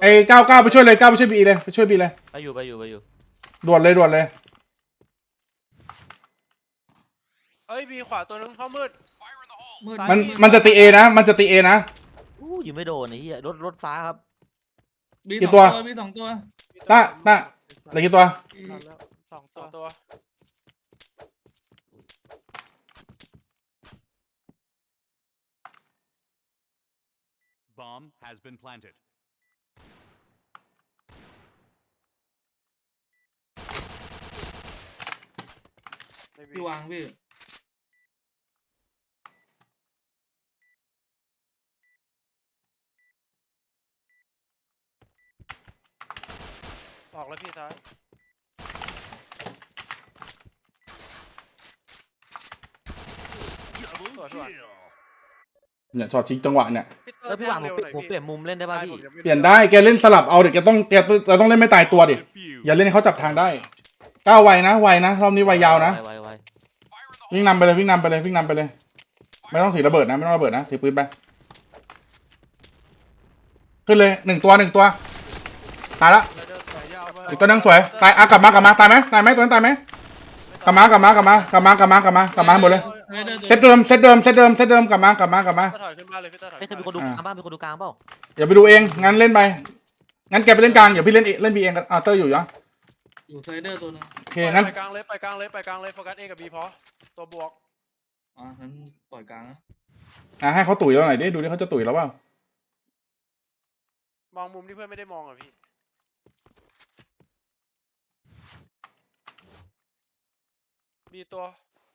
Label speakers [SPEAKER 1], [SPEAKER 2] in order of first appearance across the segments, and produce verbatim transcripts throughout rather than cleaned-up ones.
[SPEAKER 1] ไอ้เก้าเก้าไปช่วยเลยเก้าไปช่วยบีเลยไปช่วยบีเลย
[SPEAKER 2] ไปอยู่ไปอยู่ไปอยู่
[SPEAKER 1] ด่วนเลยด่วนเลย
[SPEAKER 3] เอ้ยบีขวาตัวนึงเข้ามืด
[SPEAKER 1] มันมันจะตีเอนะมันจะตีเอนะ
[SPEAKER 2] อู้ยิงไม่โดนไอ้เหี้ยรถรถฟ้าครับ
[SPEAKER 4] บีสองตัวบีสองตัว
[SPEAKER 1] ต้าต้าเหลือกี่ตัว
[SPEAKER 3] สองตัวตัว
[SPEAKER 5] Bomb has been planted.
[SPEAKER 4] พี่วางพี่
[SPEAKER 3] ออกแล้วพี่ซ้าย
[SPEAKER 1] เนี่ยช็อตชิงจังหวะเนี่ย
[SPEAKER 2] แล้วพี่หวังผมผมเปลี่ยนมุมเล่นได้ป่ะพี่
[SPEAKER 1] เปลี่ยนได้แกเล่นสลับเอาเดี๋ยวแกต้องแกเราต้องเล่นไม่ตายตัวดิอย่าเล่นให้เขาจับทางได้ก้าวไวนะไวนะรอบนี้ไวยาวนะวิ่งนำไปเลยวิ่งนำไปเลยวิ่งนำไปเลยไม่ต้องถือระเบิดนะไม่ต้องระเบิดนะถือปืนไปขึ้นเลยหนึ่งตัวหนึ่งตัวตายละอีกตัวนึงสวยตายอ่ะกลับมากลับมาตายไหมตายไหมตัวนั้นตายไหมกลับมากลับมากลับมากลับมากลับมากลับมากลับมาหมดเลยเซตเดิมเซตเดิมเซตเดิมเซตเดิมกลับมากลับมากลับมา
[SPEAKER 3] ถอยขึ้นบ้านเลยพี่ถอย
[SPEAKER 2] ไม่เคยมีคนดูกลางบ้านมีคนดูกลางเปล่า
[SPEAKER 1] อย่าไปดูเองงั้นเล่นไปงั้นแกไปเล่นกลางอย่าพี่เล่นเล่นบีเองกันอ่าเตอร์อยู่ยัง
[SPEAKER 4] อยู่ไซเดอร์ตัวนึง
[SPEAKER 1] โอเคงั้น
[SPEAKER 3] ไปกลางเลยไปกลางเลยไปกลางเลยโฟกัสเอกับบีพอตัวบวก
[SPEAKER 4] อ๋อฉันปล่อยกลางนะ
[SPEAKER 1] อ่ะให้เขาตุ๋ยเราหน่อยดิดูดิเขาจะตุ๋ยเราเปล่าม
[SPEAKER 3] องมุมที่เพื่อนไม่ได้มองอ่ะพี่บีตัว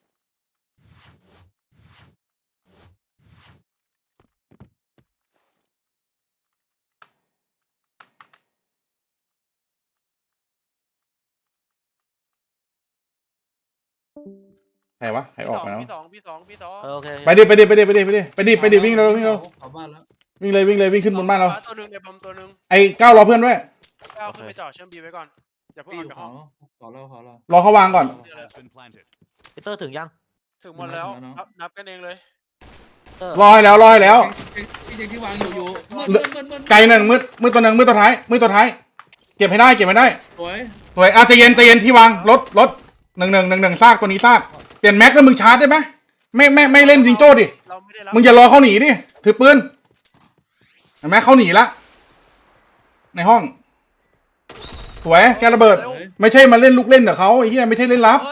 [SPEAKER 1] ใครวะใครออกมาแล้ว
[SPEAKER 3] พี่สองพี่สองพี่สอง
[SPEAKER 2] โอเค
[SPEAKER 1] ไปดิไปดิไปดิไปดิไปดิไปดิไปดิวิ่งเร็ววิ่งเร็ววิ่งเลยวิ่งเลยวิ่งขึ้นบนบ้านเรา
[SPEAKER 3] ตัวนึงในบอมตัวนึง
[SPEAKER 1] ไอ้ก้าวรอเพื่อนด้วย
[SPEAKER 3] ก้าวขึ้นไปจ่อเชื่อมบีไว้ก่อนอย่าเพิ่งออกจากห้อง
[SPEAKER 4] ขอเราขอเรา
[SPEAKER 1] รอเขาวางก่อน
[SPEAKER 2] พีเตอร์ถึงยัง
[SPEAKER 3] ถึงหมดแล้วนับกันเองเลย
[SPEAKER 1] รอให้แล้วรอให้แล้ว
[SPEAKER 4] ที่เด็กที่วางอยู่อยู่
[SPEAKER 1] ไกลหนึ่งมืดมืดตัวหนึ่งมืดตัวท้ายมืดตัวท้ายเก็บให้ได้เก็บให้ได้
[SPEAKER 4] สวย
[SPEAKER 1] สวยอ่ะใจเย็นใจเย็นที่วางรถรถหนึ่งหนึ่งหนึ่งหนึ่งซากตัวนี้ซากเปลี่ยนแม็กแล้วมึงชาร์จได้ไหมไม่ไม่ไม่เล่นจิงโจ้ดิมึงอย่ารอเขาหนีดิถือปืนเห็นไหมเขาหนีละในห้องสวยแกระเบิดไม่ใช่มาเล่นลูกเล่นกับเขาไอ้เหี้ยไม่ใช่เล่นลับ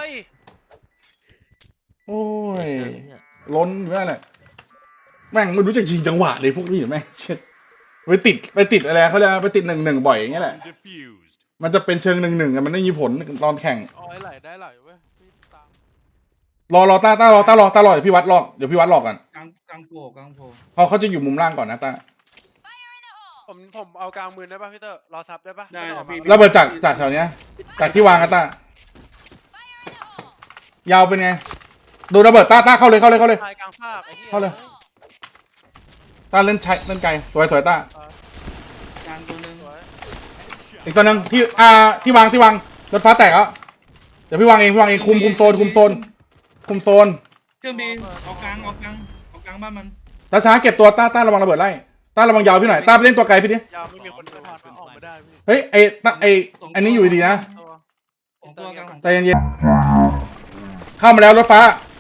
[SPEAKER 1] โอ้ยล้นอยู่นั่นแหละแม่งไม่รู้จักจริงจังหวะเลยพวกนี้แม่งเช็ดไปติดไปติดอะไรเขาเรียกไปติดหนึ่งหนึ่งบ่อยอย่างเงี้ยแหละมันจะเป็นเชิงหนึ่งหนึ่งมันไม่มีผลตอนแข่ง
[SPEAKER 3] อ๋อไหลได้ไหลเว้ย
[SPEAKER 1] รอรอต้าต้ารอต้ารอต้ารอเดี๋ยวพี่วัดรอเดี๋ยวพี่วัดรอกัน
[SPEAKER 4] กลางกลางโผล่กลางโผล่
[SPEAKER 1] เขาเขาจะอยู่มุมล่างก่อนนะต้า
[SPEAKER 3] ผมผมเอากลางมือได้ป่ะพี่เตอร์รอซับได้ป่ะ
[SPEAKER 4] ได้
[SPEAKER 1] พี่ระเบิดจากจากแถวเนี้ยจากที่วางกันต้ายาวเป็นไงดูระเบิดต้าต้าเข้าเลยเข้าเลยเข้าเลยเข้าเลยต้าเล่นใช้เล่นไกลสวยสวยต้าก
[SPEAKER 4] ลางตัวนึง
[SPEAKER 1] อีกตัวนึงที่อ่าที่วางที่วางรถฟ้าแตกแล้วเดี๋ยวพี่วางเองพี่วางเองคุมคุมโซนคุมโซนคุมโซน
[SPEAKER 4] เครื่องบินออกกลางออกกลางออกกลางบ้านมัน
[SPEAKER 1] ช้าช้าเก็บตัวต้าต้าระวังระเบิดไล่ต้าระวังยาวพี่หน่อยต้าไปเล่นตัวไกลพี่ดิ
[SPEAKER 3] ยาวไม่มีคนเดินผ่านออกไม่ได้พี่
[SPEAKER 1] เฮ้ยไอ้ต้าไอ้อันนี้อยู่ดีนะใจเย็นๆเข้ามาแล้วรถฟ้า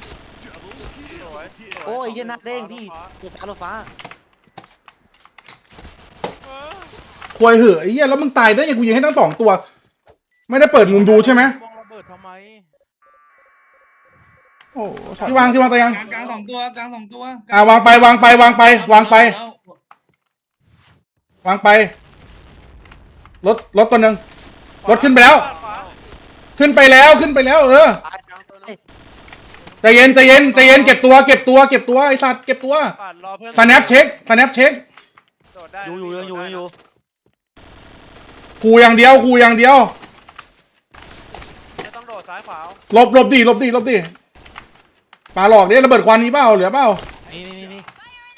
[SPEAKER 2] โอ้ยเย็นนักเด้งพี่รถฟ้ารถฟ้า
[SPEAKER 1] ควยเหอะไอ้เหี้ยแล้วมึงตายได้ยังกูยิงให้ทั้งสองตัวไม่ได้เปิดมุมดูใช่ไหม
[SPEAKER 3] มองระเบิดทำไม
[SPEAKER 1] โอ้ที่วางที่วางตัวยัง
[SPEAKER 4] กลางสองตัวกลางสองตัว
[SPEAKER 1] อ่าวางไปวางไปวางไปวางไปวางไปรถรถตัวหนึ่งรถขึ้นไปแล้วขึ้นไปแล้วขึ้นไปแล้วเออใจเย็นใจเย็นใจเย็นเก็บตัวเก็บตัวเก็บตัวไอ้สัตว์เก็บตัวสแนปเช็คสแนปเช็ค
[SPEAKER 2] อยู่อยู่อยู่อยู่
[SPEAKER 1] ขู่อย่างเดียวขู่อย่างเดียว
[SPEAKER 3] ไม่ต้องโดดซ้ายขวา
[SPEAKER 1] หลบหลบดิหลบดิหลบดิปาหลอกดิระเบิดควันนี้เปล่าเหลือเปล่า
[SPEAKER 2] นี่นี่นี่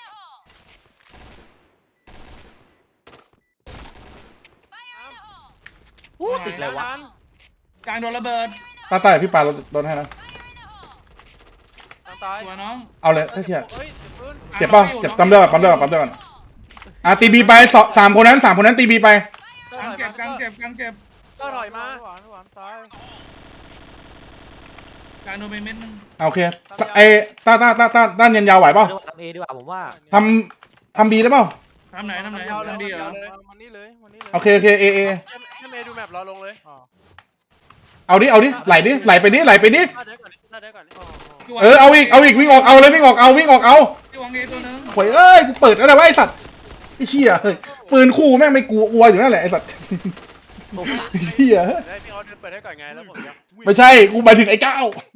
[SPEAKER 2] อู้ติดเลยวะ
[SPEAKER 4] กลางโดนระเบิด
[SPEAKER 1] ตาตายพี่ปาโดนให้นะ
[SPEAKER 3] ตาย
[SPEAKER 4] ตัวน้อง
[SPEAKER 1] เอาเลยถ้าเทียบเจ็บเปล่าเจ็บปั๊มเลือดปั๊มเลือดปั๊มเลือดอ่ะตีบีไปสองสามคนนั้นสามคนนั้นตีบีไป
[SPEAKER 3] เตอร์
[SPEAKER 4] กลาง
[SPEAKER 3] ถอย
[SPEAKER 4] เจ็บ
[SPEAKER 3] มาก
[SPEAKER 4] ลางเจ็บกลางเจ็บ
[SPEAKER 3] เตอร์ถอยมา
[SPEAKER 5] หวานหวานซ้าย
[SPEAKER 4] กลางโดนไปเม็ดนึง
[SPEAKER 1] โอเคไอ้ต้าต้าต้าต้าด้านยันยาวไหวเปล่า
[SPEAKER 2] ทำเอดีกว่าผมว่า
[SPEAKER 1] ทำทำบีได้เปล่า
[SPEAKER 4] ทำไหนทำไหน
[SPEAKER 3] ยาวเลย
[SPEAKER 4] ทำดีเหรอ
[SPEAKER 5] วันนี้เลยวันนี้เลย
[SPEAKER 1] โอเคโอเคเอเอ
[SPEAKER 3] ให้เมย์ดูแมปรอลงเลย
[SPEAKER 5] อ๋อ
[SPEAKER 1] เอาดิเอาดิไหลดิไหลไปดิไหลไปดิ
[SPEAKER 3] ถ้าเดินก่อนถ้าเดินก่อน
[SPEAKER 5] อ๋อ
[SPEAKER 1] เออเอาอีกเอาอีกวิ่งออกเอาเลยวิ่งออกเอาวิ่งออกเอา
[SPEAKER 4] ที่วางเอตัวนึง
[SPEAKER 1] โวยเอ้ยกูเปิดอะไรวะไอ้สัตว์ไอ้เชี่ยเฮ้ยปืนคู่แม่งไม่กลัวอัวอยู่นั่นแหละไอ้สัตว์
[SPEAKER 2] ผม
[SPEAKER 1] ไอ้เชี่ย
[SPEAKER 3] ได้พี่เขาเดินเปิดให้ก่อนไงแล้วผมจะ
[SPEAKER 1] ไม่ใช่กูหมายถึงไอ้ก้าว